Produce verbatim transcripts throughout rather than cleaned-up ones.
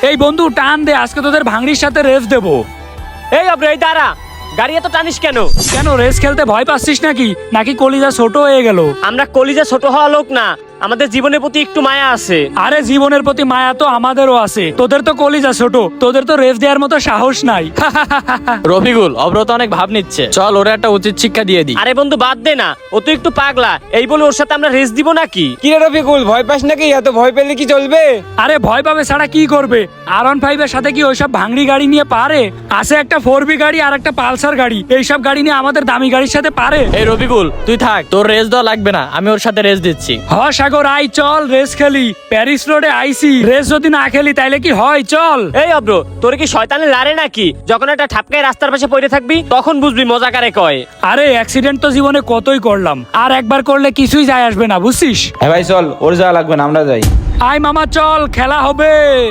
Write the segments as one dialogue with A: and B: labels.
A: এই বন্ধু টান দে, আজকে তোদের ভাঙড়ির সাথে রেস দেবো।
B: এই অব্র, এই দাঁড়া, গাড়ি এত টানিস কেন?
A: কেন রেস খেলতে ভয় পাচ্ছিস নাকি নাকি কলিজা ছোট হয়ে গেল?
B: আমরা কলিজা ছোট হওয়া লোক না, আমাদের জীবনের প্রতি একটু মায়া আছে।
A: আরে জীবনের প্রতি মায়া তো আমাদেরও আছে, তোদের তো কলিজা ছোট, তোদের তো রেস দেওয়ার মতো সাহস নাই।
C: রফিকুল, অব্র তো অনেক ভাব নিচ্ছে, চল ওরা একটা উচিত শিক্ষা দিয়ে দিই।
B: আরে বন্ধু বাদ দে না, ও তো একটু পাগলা, এই বলে ওর সাথে আমরা রেস দিব নাকি?
D: কি রে রফিকুল, ভয় পাস নাকি? এত ভয় পেলে কি চলবে?
A: আরে ভয় পাবে ছাড়া কি করবে? আর ওয়ান ফাইভ এর সাথে কি ওইসব ভাঙড়ি গাড়ি নিয়ে পারে? আছে একটা ফোর বি গাড়ি আর একটা পালসার গাড়ি, এইসব গাড়ি নিয়ে আমাদের দামি গাড়ির সাথে পারে?
C: এই রফিকুল তুই থাক, তোর রেস দেওয়া লাগবে না, আমি ওর সাথে রেস দিচ্ছি।
A: হ সাগর আই, চল রেস খেলি। প্যারিস রোডে আইসি, রেস যদি না খেলি তাইলে কি হয়? চল।
B: এই অব্র, তোর কি শয়তানে লারে নাকি? যখন একটা ঠাপকায় রাস্তার পাশে পড়ে থাকবি তখন বুঝবি মজা কারে কয়।
A: আরে অ্যাক্সিডেন্ট তো জীবনে কতই করলাম, আর একবার করলে কিছুই যায় আসবে না, বুঝছিস?
D: হ্যাঁ ভাই চল, ওর যাওয়া লাগবে না, আমরা যাই।
A: আয় মামা চল, খেলা হবে।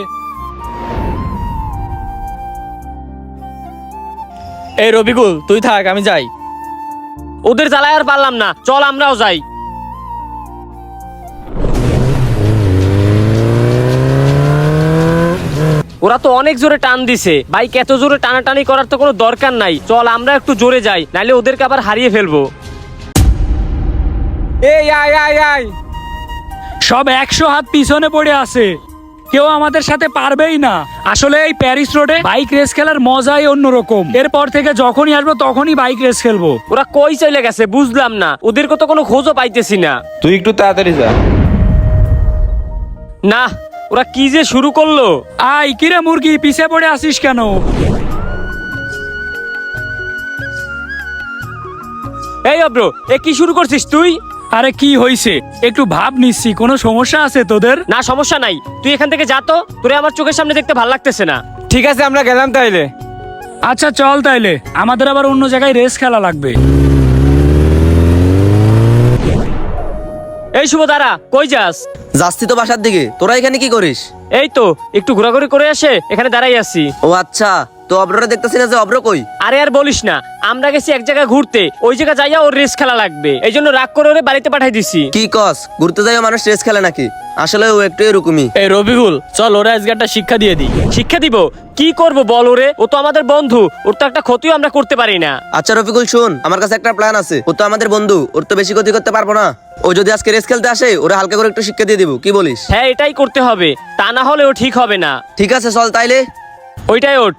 C: এই রফিকুল তুই থাক, আমি যাই।
B: ওদের জ্বালায় আর পারলাম না, চল আমরাও যাই। ওরা তো অনেক জোরে টান দিছে, বাইক এত জোরে টানাটানি করার তো কোনো দরকার নাই, চল আমরা একটু জোরে যাই, নাইলে ওদেরকে আবার হারিয়ে ফেলবো।
D: এই আয় আয় আয়।
A: সব একশো হাত পিছনে পড়ে আছে, কেউ আমাদের সাথে পারবেই না। আসলে এই প্যারিস রোডে বাইক রেস খেলার মজাই অন্যরকম। এরপর থেকে যখনই আসবো তখনই বাইক রেস খেলবো।
B: ওরা কই চলে গেছে বুঝলাম না, ওদের তো কোনো খোঁজও পাইতেছি না।
D: তুই একটু তাড়াতাড়ি যা।
B: না, ওরা কি যে শুরু করলো।
A: আই কিরে মুরগি, পিছে পড়ে আসিস কেন?
B: এই অব্র, এ কি শুরু করছিস তুই?
A: আরে কি হইছে, একটু ভাব নিচ্ছি, কোনো সমস্যা আছে তোদের?
B: না সমস্যা নাই, তুই এখান থেকে যা তো, তোরে আমার চোখের সামনে দেখতে ভাল লাগতেছে না।
D: ঠিক আছে আমরা গেলাম তাইলে।
A: আচ্ছা চল তাইলে, আমাদের আবার অন্য জায়গায় রেস খেলা লাগবে।
B: এই শুভ দাঁড়া, কই যাস?
E: যাচ্ছি তো বাসার দিকে। তোরা এখানে কি করিস?
B: এই তো একটু ঘোরাঘুরি করে আসে এখানে দাঁড়াই আছি।
E: ও আচ্ছা, তো অব্ররা দেখতেছি না যে, অব্র কই?
B: আরে আর বলিস না, আমরা গেছি এক জায়গায় ঘুরতে, ওই জায়গা যাইয়া ওর রেস খেলা লাগবে, এই জন্য রাগ করে ওরে বাড়িতে পাঠাই দিছি।
E: কি কস, ঘুরতে যাই মানুষ রেস খেলে নাকি? আসলে ও একটু এরকমই।
C: এই রফিকুল চল ওরা আজকে একটা শিক্ষা দিয়ে দিই।
B: শিক্ষা দিব? কি করব বল ওরে, ও তো আমাদের বন্ধু, ওর তো একটা ক্ষতিও আমরা করতে পারি না।
E: আচ্ছা রফিকুল শুন, আমার কাছে একটা প্ল্যান আছে। ও তো আমাদের বন্ধু, ওর তো বেশি ক্ষতি করতে পারবো না। ও যদি আজকে রেস খেলতে আসে, ওরা হালকা করে একটু শিক্ষা দিয়ে দিব, কি বলিস?
B: হ্যাঁ এটাই করতে হবে, তা না হলে ও ঠিক হবে না।
E: ঠিক আছে চল তাইলে।
B: ওইটাই ওঠ।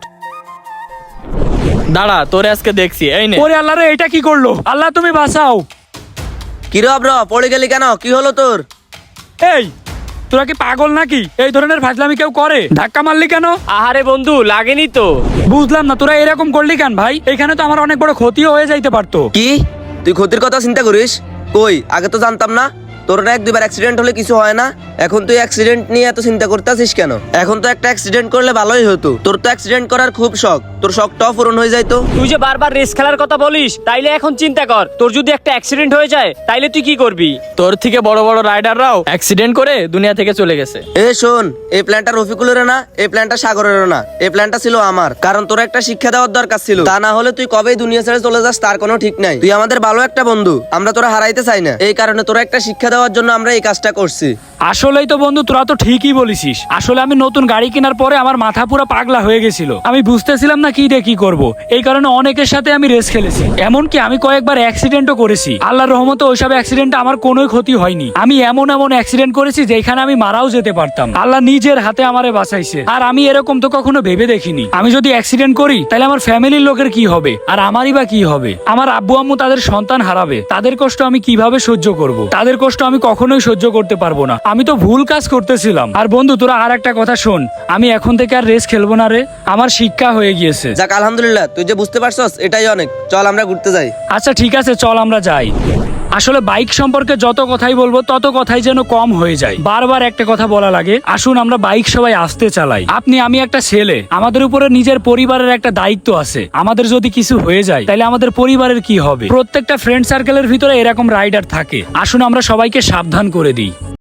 C: দাঁড়া, তোরে আজকে দেখছি, এই নে।
A: ওরে আল্লাহ রে, এটা কি করলো? আল্লাহ তুমি বাঁচাও।
E: কি রে অব্র, পড়ে গেলি কেন? কি হলো তোর?
A: এই তোরা কি পাগল নাকি? এই ধরনের ফাজলামি কেউ করে? ধাক্কা মারলি কেন?
B: আহারে বন্ধু, লাগেনি তো।
A: বুঝলাম না, তোরা এরকম করলি কেন ভাই? এখানে তো আমার অনেক বড় ক্ষতিও হয়ে যাইতে পারতো।
E: কি তুই ক্ষতির কথা চিন্তা করিস? কই, আগে তো জানতাম না। তোর না এক দুইবার অ্যাক্সিডেন্ট হলে কিছু হয় না, এখন তুই অ্যাক্সিডেন্ট নিয়ে এত চিন্তা করতেছিস কেন? এখন তো একটা অ্যাক্সিডেন্ট করলে ভালোই হতো। তোর তো অ্যাক্সিডেন্ট করার খুব শখ, তোর শখটাও পূরণ হয়ে যাইতো।
B: তুই যে বারবার রেস খেলার কথা বলিস, তাইলে এখন চিন্তা কর, তোর যদি একটা অ্যাক্সিডেন্ট হয়ে যায় তাইলে তুই কি করবি?
C: তোর থেকে বড় বড় রাইডাররাও অ্যাক্সিডেন্ট করে দুনিয়া থেকে চলে গেছে।
E: এ শোন, এই প্ল্যানটা রফিকুলের না, এই প্ল্যানটা সাগরেরও না, এই প্ল্যানটা ছিল আমার। কারণ তোর একটা শিক্ষা দেওয়ার দরকার ছিল, তা না হলে তুই কবেই দুনিয়া ছেড়ে চলে যাস তার কোনো ঠিক নাই। তুই আমাদের ভালো একটা বন্ধু, আমরা তোরা হারাইতে চাই না, এই কারণে তোরা একটা শিক্ষা দেওয়ার জন্য আমরা এই কাজটা করছি।
A: আসলেই তো বন্ধু, তোরা তো ঠিকই বলিসিস। আসলে আমি নতুন গাড়ি কেনার পরে আমার মাথা পুরো পাগলা হয়ে গেছিল, আমি বুঝতেছিলাম না কি রে কি করব। এই কারণে অনেকের সাথে আমি রেস খেলেছি, এমনকি আমি কয়েকবার অ্যাক্সিডেন্টও করেছি। আল্লাহর রহমতে ওইসব অ্যাক্সিডেন্টে আমার কোনো ক্ষতি হয়নি। আমি এমন এমন অ্যাক্সিডেন্ট করেছি যেখানে আমি মারাও যেতে পারতাম, আল্লাহ নিজের হাতে আমারে বাঁচাইছে। আর আমি এরকম তো কখনো ভেবে দেখিনি, আমি যদি অ্যাক্সিডেন্ট করি তাহলে আমার ফ্যামিলির লোকের কি হবে, আর আমারই বা কি হবে? আমার আব্বু আম্মু তাদের সন্তান হারাবে, তাদের কষ্ট আমি কিভাবে সহ্য করব? তাদের কষ্ট আমি কখনোই সহ্য করতে পারবো না। আমি তো ভুল কাজ করতেছিলাম। আর বন্ধু তোরা আর একটা কথা শোন, আমি এখন থেকে আর রেস খেলবো না রে, আমার শিক্ষা হয়ে গিয়েছে।
E: যাক আলহামদুলিল্লাহ, তুই যে বুঝতে পারছস এটাই অনেক। চল আমরা ঘুরতে যাই।
A: আচ্ছা ঠিক আছে, চল আমরা যাই। আসলে বাইক সম্পর্কে যত কথাই বলবো তত কথাই যেন কম হয়ে যায়, বারবার একটা কথা বলা লাগে। আসুন আমরা বাইক সবাই আস্তে চালাই। আপনি আমি একটা ছেলে, আমাদের উপরে নিজের পরিবারের একটা দায়িত্ব আছে। আমাদের যদি কিছু হয়ে যায় তাহলে আমাদের পরিবারের কি হবে? প্রত্যেকটা ফ্রেন্ড সার্কেলের ভিতরে এরকম রাইডার থাকে। আসুন আমরা সবাইকে সাবধান করে দিই।